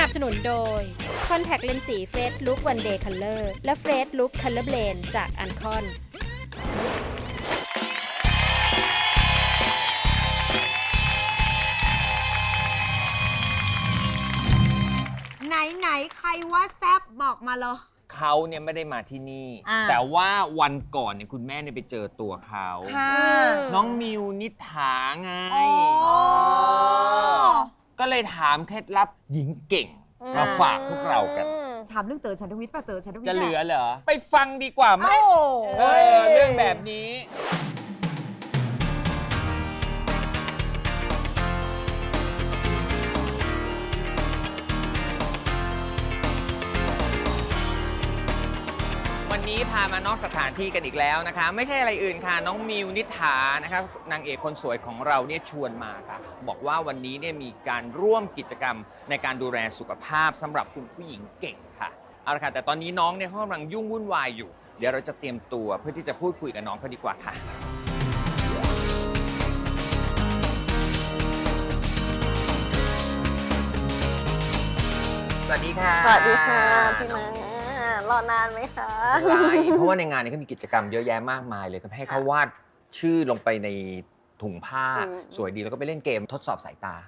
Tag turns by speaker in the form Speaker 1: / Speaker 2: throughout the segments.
Speaker 1: บสนุนโดย Contact Lens สี Face Look One Day Color และ Face Look Color Blend จาก Ancon
Speaker 2: ไหนใครว่าแซบบอกมาเลย
Speaker 3: เขาเนี่ยไม่ได้มาที่นี่ แต่ว่าวันก่อนเนี่ยคุณแม่เนี่ยไปเจอตัวเขาน้องมิวนิษฐาไงก็เลยถามเคล็ดลับหญิงเก่งมาฝากพวกเรากัน
Speaker 2: ถามเรื่องเต๋อฉันทวิทย์ป่ะเต๋อฉันทวิทย์
Speaker 3: จะเหลือเหรอไปฟังดีกว่าไหมเรื่องแบบนี้วันนี้พามานอกสถานที่กันอีกแล้วนะคะไม่ใช่อะไรอื่นค่ะน้องมิวนิษฐานะครับนางเอกคนสวยของเราเนี่ยชวนมาค่ะบอกว่าวันนี้เนี่ยมีการร่วมกิจกรรมในการดูแลสุขภาพสำหรับคุณผู้หญิงเก่งค่ะเอาละค่ะแต่ตอนนี้น้องเนี่ยเขากำลังยุ่งวุ่นวายอยู่เดี๋ยวเราจะเตรียมตัวเพื่อที่จะพูดคุยกับน้องเขาดีกว่าค่ะสวัสดีค่ะ
Speaker 4: สวัสดีค่ะพี่มารอนานไหมคะ
Speaker 3: เพราะว่าในงานนี้ก็มีกิจกรรมเยอะแยะมากมายเลยก็ให้เขาวาดชื่อลงไปในถุงผ้าสวยดีแล้วก็ไปเล่นเกมทดสอบสายตา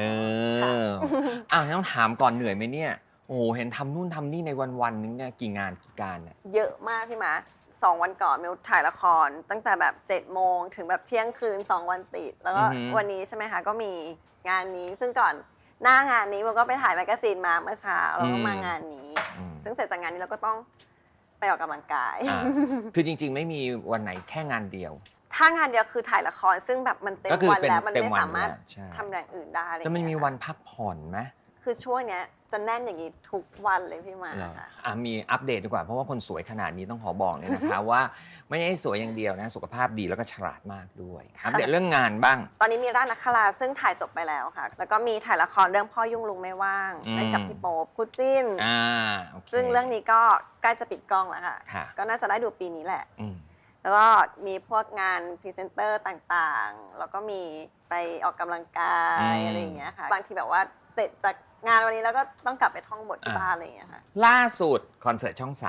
Speaker 3: ต้องถามก่อนเหนื่อยไหมเนี่ยโอ้โหเห็นทำนู่นทำนี่ในวันนึงเนี่ยกี่งานกี่การเนี่ย
Speaker 4: เยอะมากพี่มา2 วันก่อนมิวถ่ายละครตั้งแต่แบบ7 โมงถึงแบบเที่ยงคืน2 วันติดแล้วก็วันนี้ใช่ไหมคะก็มีงานนี้ซึ่งก่อนหน้างานนี้มันก็ไปถ่ายแมกกาซีนมาเมื่อเช้าแล้วก็มางานนี้ซึ่งเสร็จจากงานนี้เราก็ต้องไปออกกำลังกาย
Speaker 3: คือจริงๆไม่มีวันไหนแค่งานเดียว
Speaker 4: ถ้างานเดียวคือถ่ายละครซึ่งแบบมันเต็มวันแล้วมันไม่สามารถทำอย่างอื่นได้
Speaker 3: แล้วมันมีวันพักผ่อนไหม
Speaker 4: คือช่วงเนี้ยจะแน่นอย่างนี้ทุกวันเลยพี่มา
Speaker 3: มีอัปเดตดีกว่าเพราะว่าคนสวยขนาดนี้ต้องขอบอกเลยนะคะ ว่าไม่ใช่สวยอย่างเดียวนะสุขภาพดีแล้วก็ฉลาดมากด้วยอัปเดตเรื่องงานบ้าง
Speaker 4: ตอนนี้มีร้านนักคราซึ่งถ่ายจบไปแล้วค่ะแล้วก็มีถ่ายละครเรื่องพ่อยุ่งลุงไม่ว่างเล่นกับพี่โป๊ปคู่จิ้นซึ่งเรื่องนี้ก็ใกล้จะปิดกล้องแล้วค่ะก็น่าจะได้ดูปีนี้แหละแล้วก็มีพวกงานพรีเซนเตอร์ต่างๆแล้วก็มีไปออกกำลังกายอะไรอย่างเงี้ยค่ะบางทีแบบว่าเสร็จจากงานวันนี้แล้วก็ต้องกลับไปท่องบทที่บ้านอะไรอย่างเงี้ยค่ะ
Speaker 3: ล่าสุดคอนเสิร์ตช่อง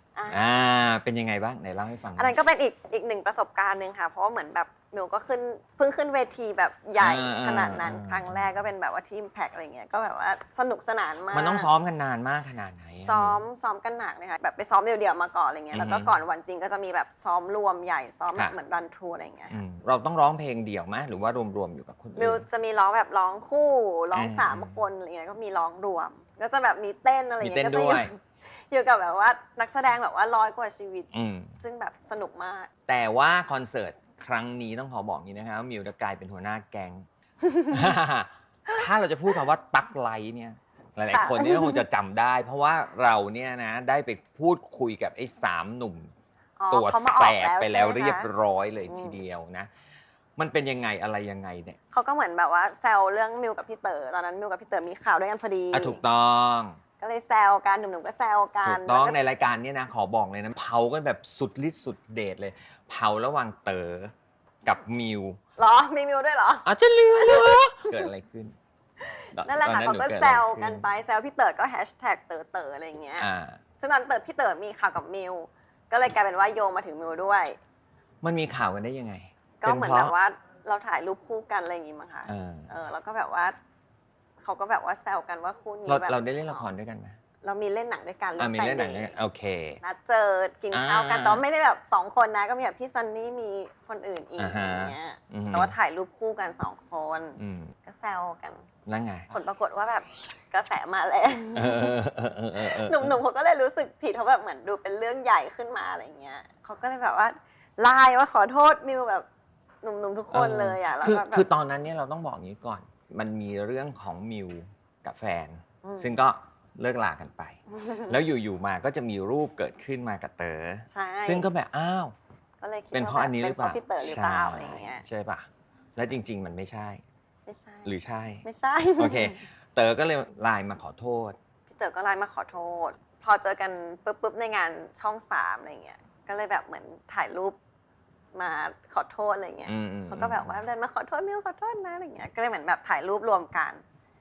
Speaker 3: 3เป็นยังไงบ้างไหนเล่าให้ฟัง
Speaker 4: อันนั้นก็เป็นอีกหนึ่งประสบการณ์หนึ่งค่ะเพราะว่าเหมือนแบบมิวก็เพิ่งขึ้นเวทีแบบใหญ่ขนาดนั้นครั้งแรกก็เป็นแบบว่าที่ Impact อะไรเงี้ยก็แบบว่าสนุกสนานมาก
Speaker 3: มันต้องซ้อมกันนานมากขนาดไหน
Speaker 4: ซ้อมกันหนักเลยค่ะแบบไปซ้อมเดี่ยวๆมาก่อนอะไรเงี้ยแล้วก็ก่อนวันจริงก็จะมีแบบซ้อมรวมใหญ่ซ้อมแบบเหมือนรันทรูอะไรเงี้ย
Speaker 3: เราต้องร้องเพลงเดี่ยวไหมหรือว่ารวมๆอยู่กับคนอื่น
Speaker 4: มิวจะมีร้องแบบร้องคู่ร้อง3 คนอะไรเงี้ยก็มีร้องรวมก็จะแบบมีเต้นอะไรเงี้ยก็จะอยู่กับแบบว่านักแสดงแบบว่า100 กว่าชีวิตซึ่งแบบสนุกมาก
Speaker 3: แต่ว่าคอนเสิร์ตครั้งนี้ต้องขอบอกนี้นะครับมิวจะกลายเป็นหัวหน้าแก๊ง ถ้าเราจะพูดคำว่าตั๊กไลท์เนี่ยหลายๆคนนี่คงจะจำได้เพราะว่าเราเนี่ยนะได้ไปพูดคุยกับไอ้3 หนุ่มตัวแสบไปแล้วเรียบร้อยเลยทีเดียวนะมันเป็นยังไงอะไรยังไงเนี่ย
Speaker 4: เขาก็เหมือนแบบว่าแซวเรื่องมิวกับพี่เต๋อตอนนั้นมิวกับพี่เต๋อมีข่าวด้วยกันพอดี
Speaker 3: ถูกต้อง
Speaker 4: ก็เลยแซวกันหนุ่มๆก็แซวกัน
Speaker 3: ถูกต้องในรายการนี้นะขอบอกเลยนะเผากันแบบสุดฤทธิ์สุดเดชเลยเผาระหว่างเต๋อกับมิว
Speaker 4: เหรอมีมิวด้วยเหรอ
Speaker 3: จะลืมเกิดอะไรขึ้น
Speaker 4: นั่นแหละค่ะเขาก็แซวกันไปแซวพี่เต๋อก็แฮชแท็กเต๋อเต๋ออะไรอย่างเงี้ยซึ่งตอนพี่เต๋อมีข่าวกับมิวก็เลยกลายเป็นว่าโยงมาถึงมิวด้วย
Speaker 3: มันมีข่าวกันได้ยังไง
Speaker 4: ก็เหมือนแบบว่าเราถ่ายรูปคู่กันอะไรอย่างงี้มั้งคะแล้วก็แบบว่าเขาก็แบบว่าแซวกันว่าคู่นี้แบบ
Speaker 3: เราได้เล่นละครด้วยกันไหม
Speaker 4: เรามีเล่นหนังด้วยกัน
Speaker 3: มีเล่นหนังโอเค
Speaker 4: นัดเจอกินข้าวกันแต่ไม่ได้แบบ2 คนนะก็มีแบบพี่ซันนี่มีคนอื่นอีกอย่างเงี้ยแต่ว่าถ่ายรูปคู่กัน2 คนก็แซวกัน
Speaker 3: แล้วไง
Speaker 4: ผลปรากฏว่าแบบกระแสมาแรงหนุ่มๆเขาก็เลยรู้สึกผิดเขาแบบเหมือนดูเป็นเรื่องใหญ่ขึ้นมาอะไรเงี้ยเขาก็เลยแบบว่าไลน์ว่าขอโทษมิวแบบหนุ่มๆทุกคนเลยอ่ะแล้ว
Speaker 3: คือตอนนั้นเนี่ยเราต้องบอกอย่างนี้ก่อนมันมีเรื่องของมิวกับแฟนซึ่งก็เลิกลากันไปแล้วอยู่ๆมาก็จะมีรูปเกิดขึ้นมากับเต๋อซึ่งก็แบบอ้าว
Speaker 4: ก็เลยคิด
Speaker 3: เป็นเพราะอันนี้หรือเปล่า
Speaker 4: พี่เต๋อหรือเปล่าอะไรเงี้ย
Speaker 3: ใช่ป่ะแล้วจริงๆมันไม่ใช่หรือใช่
Speaker 4: ไม่ใช่
Speaker 3: โอเคเต๋อก็เลยไลน์มาขอโทษ
Speaker 4: พี่เต๋อก็ไลน์มาขอโทษพอเจอกันปุ๊บในงานช่อง3อะไรเงี้ยก็เลยแบบเหมือนถ่ายรูปมาขอโทษอะไรเงี้ยเขาก็แบบว่าเดินมาขอโทษมิวขอโทษนะอะไรเงี้ยก็เลยเหมือนแบบถ่ายรูปรวมกัน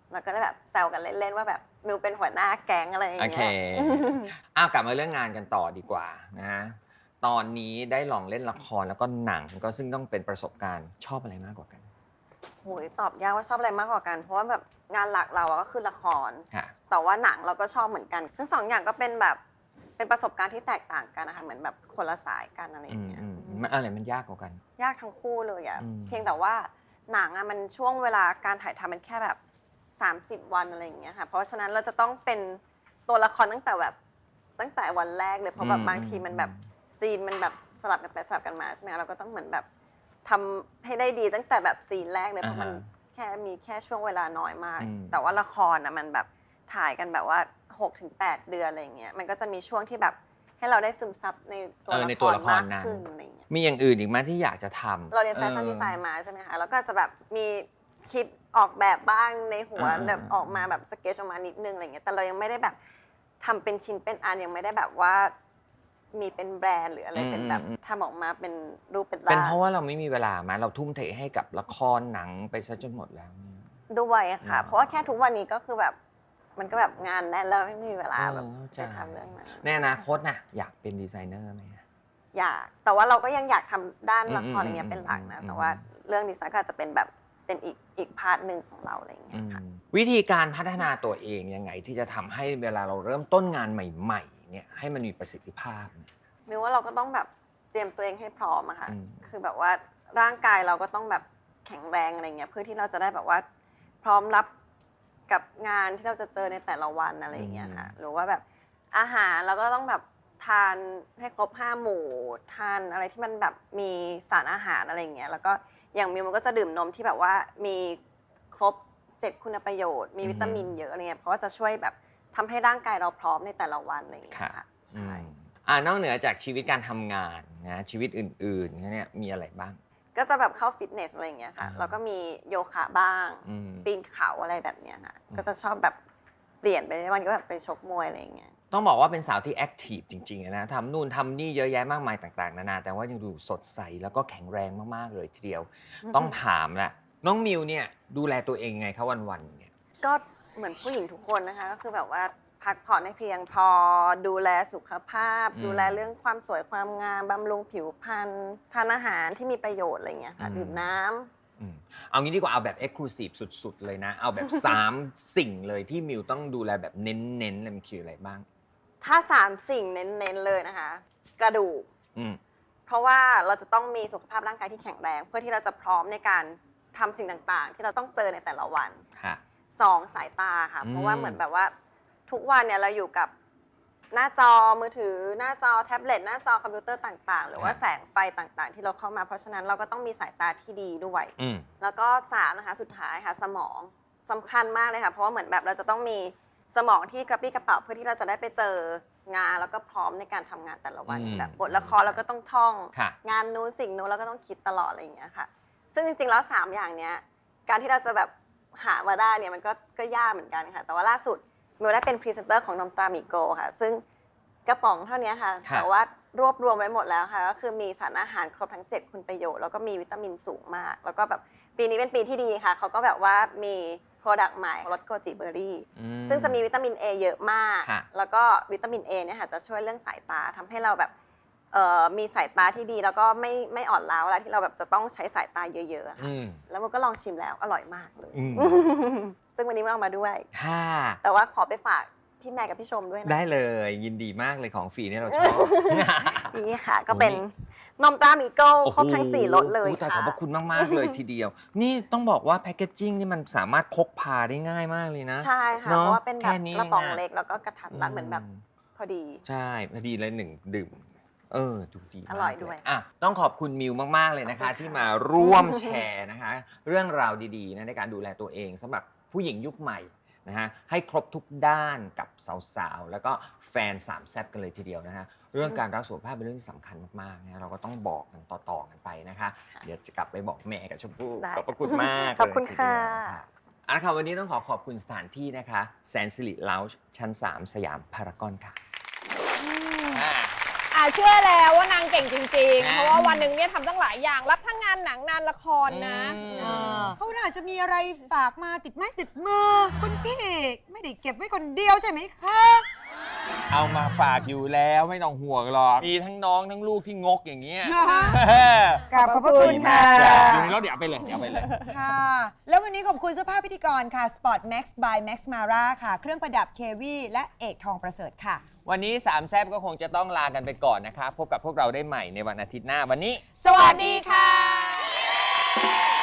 Speaker 4: เราก็ได้แบบแซวกันเล่นๆว่าแบบมิวเป็นหัวหน้าแก๊งอะไรอย่าง
Speaker 3: โอ
Speaker 4: เงี้
Speaker 3: เค
Speaker 4: ย
Speaker 3: กลับมาเรื่องงานกันต่อดีกว่านะฮะตอนนี้ได้ลองเล่นละครแล้วก็หนังก็ซึ่งต้องเป็นประสบการณ์ชอบอะไรมากกว่ากัน
Speaker 4: โหยตอบยากว่าชอบอะไรมากกว่ากัน เพราะว่าแบบงานหลักเราก็คือละคร
Speaker 3: ค่ะ
Speaker 4: แต่ว่าหนังเราก็ชอบเหมือนกันทั้งสองอย่างก็เป็นแบบเป็นประสบการณ์ที่แตกต่างกันนะคะเหมือนแบบคนละสายกันอะไรอย่างเงี้ย
Speaker 3: มันอะไรมันยากกว่ากัน
Speaker 4: ยากทั้งคู่เลยอะ
Speaker 3: อืม
Speaker 4: เพียงแต่ว่าหนังอะมันช่วงเวลาการถ่ายทำมันแค่แบบ30 วันอะไรอย่างเงี้ยค่ะเพราะฉะนั้นเราจะต้องเป็นตัวละครตั้งแต่วันแรกเลยเพราะแบบบางทีมันแบบซีนมันแบบสลับกันไปสลับกันมาใช่ไหมเราก็ต้องเหมือนแบบทำให้ได้ดีตั้งแต่แบบซีนแรกเลยเพราะมันมีแค่ช่วงเวลาน้อยมาก แต่ว่าละครอะมันแบบถ่ายกันแบบว่า 6-8 เดือนอะไรอย่างเงี้ยมันก็จะมีช่วงที่แบบให้เราได้ซึมซับในตัวละครมากขึ้นอะไรอย่างเงี้ย
Speaker 3: มีอย่างอื่นอีกไหมที่อยากจะทำ
Speaker 4: เราเรียนแฟชั่นดีไซน์มาใช่ไหมคะแล้วก็จะแบบมีคิดออกแบบบ้างในหัวแบบออกมาแบบสเก็ตออกมานิดนึงอะไรเงี้ยแต่เรายังไม่ได้แบบทำเป็นชิ้นเป็นอันยังไม่ได้แบบว่ามีเป็นแบรนด์หรืออะไรเป็นแบบทำออกมาเป็นรูปเป็นร่าง
Speaker 3: เป็นเพราะว่าเราไม่มีเวลาไหมเราทุ่มเทให้กับละครหนังไปซะจนหมดแล้วเนี่ย
Speaker 4: ด้วยค่ะเพราะว่าแค่ทุกวันนี้ก็คือแบบมันก็แบบงานแน่นแล้วไม่มีเวลาแบบจะทำเรื่องนั้น
Speaker 3: ในอนาคตน่ะอยากเป็นดีไซเนอร์ไหม
Speaker 4: อยากแต่ว่าเราก็ยังอยากทำด้านละครอะไรเงี้ยเป็นหลักนะแต่ว่าเรื่องดีไซน์ก็อาจจะเป็นแบบเป็นอีกพาร์ทหนึ่งของเราอะไรเงี้ยค่ะ
Speaker 3: วิธีการพัฒนาตัวเองยังไงที่จะทำให้เวลาเราเริ่มต้นงานใหม่ๆเนี่ยให้มันมีประสิทธิภาพ
Speaker 4: มิวว่าเราก็ต้องแบบเตรียมตัวเองให้พร้อมอะค่ะคือแบบว่าร่างกายเราก็ต้องแบบแข็งแรงอะไรเงี้ยเพื่อที่เราจะได้แบบว่าพร้อมรับกับงานที่เราจะเจอในแต่ละวันอะไรอย่างเงี้ยค่ะหรือว่าแบบอาหารเราก็ต้องแบบทานให้ครบ5 หมู่ทานอะไรที่มันแบบมีสารอาหารอะไรอย่างเงี้ยแล้วก็อย่างมิวมันก็จะดื่มนมที่แบบว่ามีครบ7 คุณประโยชน์มีวิตามินเยอะอะไรเงี้ยเพราะว่าจะช่วยแบบทำให้ร่างกายเราพร้อมในแต่ละวันอะไรอย่างเงี้ยค่ะใช่
Speaker 3: นอกเหนือจากชีวิตการทำงานนะชีวิตอื่นๆเนี่ยมีอะไรบ้าง
Speaker 4: ก็จะแบบเข้าฟิตเนสอะไรอย่างเงี้ยค่ะแล้วก็มีโยคะบ้างปีนเขาอะไรแบบเนี้ยค่ะก็จะชอบแบบเปลี่ยนไปวันก็แบบไปชกมวยอะไรอย่างเงี้ย
Speaker 3: ต้องบอกว่าเป็นสาวที่แอคทีฟจริงๆนะทำนู่นทำนี่เยอะแยะมากมายต่างๆนานาแต่ว่ายังดูสดใสแล้วก็แข็งแรงมากๆเลยทีเดียวต้องถามแหละน้องมิวเนี่ยดูแลตัวเองไงคะวันๆเนี่ย
Speaker 4: ก็เหมือนผู้หญิงทุกคนนะคะก็คือแบบว่าพักผ่อนให้เพียงพอดูแลสุขภาพดูแลเรื่องความสวยความงามบำรุงผิวพรรณทานอาหารที่มีประโยชน์อะไรอย่างเงี้ยค่ะดื่มน้ำ
Speaker 3: เอางี้ดีกว่าเอาแบบเอ็กซ์คลูซีฟสุดๆเลยนะเอาแบบ3 สิ่งเลยที่มิวต้องดูแลแบบเน้นๆเลยมันคืออะไรบ้าง
Speaker 4: ถ้า3 สิ่งเน้นๆเลยนะคะกระดูกเพราะว่าเราจะต้องมีสุขภาพร่างกายที่แข็งแรงเพื่อที่เราจะพร้อมในการทำสิ่งต่างๆที่เราต้องเจอในแต่ละวัน2 สายตาค่ะเพราะว่าเหมือนแบบว่าทุกวันเนี่ยเราอยู่กับหน้าจอมือถือหน้าจอแท็บเล็ตหน้าจอคอมพิวเตอร์ต่างๆหรือว่าแสงไฟต่างๆที่เราเข้ามาเพราะฉะนั้นเราก็ต้องมีสายตาที่ดีด้วยแล้วก็3นะคะสุดท้ายค่ะสมองสำคัญมากเลยค่ะเพราะว่าเหมือนแบบเราจะต้องมีสมองที่กระปรี้กระเป๋าเพื่อที่เราจะได้ไปเจองานแล้วก็พร้อมในการทำงานแต่ละวันแบบบทละครเราก็ต้องท่องงานนู้นสิ่งนู้นเราก็ต้องคิดตลอดอะไรอย่างเงี้ยค่ะซึ่งจริงๆแล้ว3 อย่างเนี้ยการที่เราจะแบบหามาได้เนี่ยมันก็ยากเหมือนกันค่ะแต่ว่าล่าสุดมิวได้เป็นพรีเซนเตอร์ของนมตรามิโกค่ะซึ่งกระป๋องเท่านี้ค่ะแต่ว่ารวบรวมไว้หมดแล้วค่ะก็คือมีสารอาหารครบทั้ง7 คุณประโยชน์แล้วก็มีวิตามินสูงมากแล้วก็แบบปีนี้เป็นปีที่ดีค่ะเขาก็แบบว่ามีโปรดักต์ใหม่รสโกจิเบอร์รี่ซึ่งจะมีวิตามิน A เยอะมากแล้วก็วิตามิน A เนี่ยค่ะจะช่วยเรื่องสายตาทำให้เราแบบมีสายตาที่ดีแล้วก็ไม่อ่อนล้าเวลาที่เราแบบจะต้องใช้สายตาเยอะๆค่ะแล้วมันก็ลองชิมแล้วอร่อยมากเลยซึ่งวันนี้มาเอามาด้วยแต่ว่าขอไปฝากพี่แม่กับพี่ชมด้วยนะ
Speaker 3: ได้เลยยินดีมากเลยของฟรีนี่เราชอบ
Speaker 4: นี่ค่ะก็เป็นนมตรามิโก้ครบทั้ง4 รสเลย
Speaker 3: ค่ะขอบพระคุณมากๆเลยทีเดียวนี่ต้องบอกว่าแพคเกจจิ้งนี่มันสามารถพกพาได้ง่ายมากเลยนะ
Speaker 4: ใช่ค่ะเพราะว่าเป็นแบบกระป๋องเล็กแล้วก็กระทัดรัดเหมือนแบบพอดี
Speaker 3: ใช่พอดีเลย1 ดื่มดูดี
Speaker 4: อร่อยด้วย
Speaker 3: ต้องขอบคุณมิวมากๆเลยนะคะที่มาร่วมแชร์นะคะเรื่องราวดีๆนะในการดูแลตัวเองสำหรับผู้หญิงยุคใหม่นะฮะให้ครบทุกด้านกับสาวๆแล้วก็แฟน3 แซ่บกันเลยทีเดียวนะฮะเรื่องการรักสุขภาพเป็นเรื่องที่สำคัญมากๆนะเราก็ต้องบอกกันต่อๆกันไปนะคะเดี๋ยวจะกลับไปบอกแม่กับชมพู่ขอบพระคุณมาก
Speaker 4: ขอบคุณค่ะ
Speaker 3: ค่ะวันนี้ต้องขอบคุณสถานที่นะคะแสนสิริเลาจ์ชั้น3สยามพารากอนค่ะ
Speaker 5: เชื่อแล้วว่านางเก่งจริงๆเพราะว่าวันหนึ่งเนี่ยทำตั้งหลายอย่างรับทั้งงานหนังงานละครนะ
Speaker 2: เขาอาจจะมีอะไรฝากมาติดไม้ติดมือคุณพี่ไม่ได้เก็บไว้คนเดียวใช่ไหมคะ
Speaker 3: เอามาฝากอยู่แล้วไม่ต้องห่วงหรอกมีทั้งน้องทั้งลูกที่งกอย่างเงี้ย
Speaker 2: กราบขอบพระคุณค่ะ
Speaker 3: อยู่ในรถเดี๋ยวเอาไปเลยเดี๋ยวเอาไปเลย
Speaker 2: ค่ะ แล้ววันนี้ขอบคุณเสื้อผ้าพิธีกรค่ะ Sport Max by Max Mara ค่ะ เครื่องประดับ KV และเอกทองประเสริฐค่ะ
Speaker 3: วันนี้สามแซบก็คงจะต้องลากันไปก่อนนะครับพบกับพวกเราได้ใหม่ในวันอาทิตย์หน้าวันนี้
Speaker 2: สวัสดีค่ะ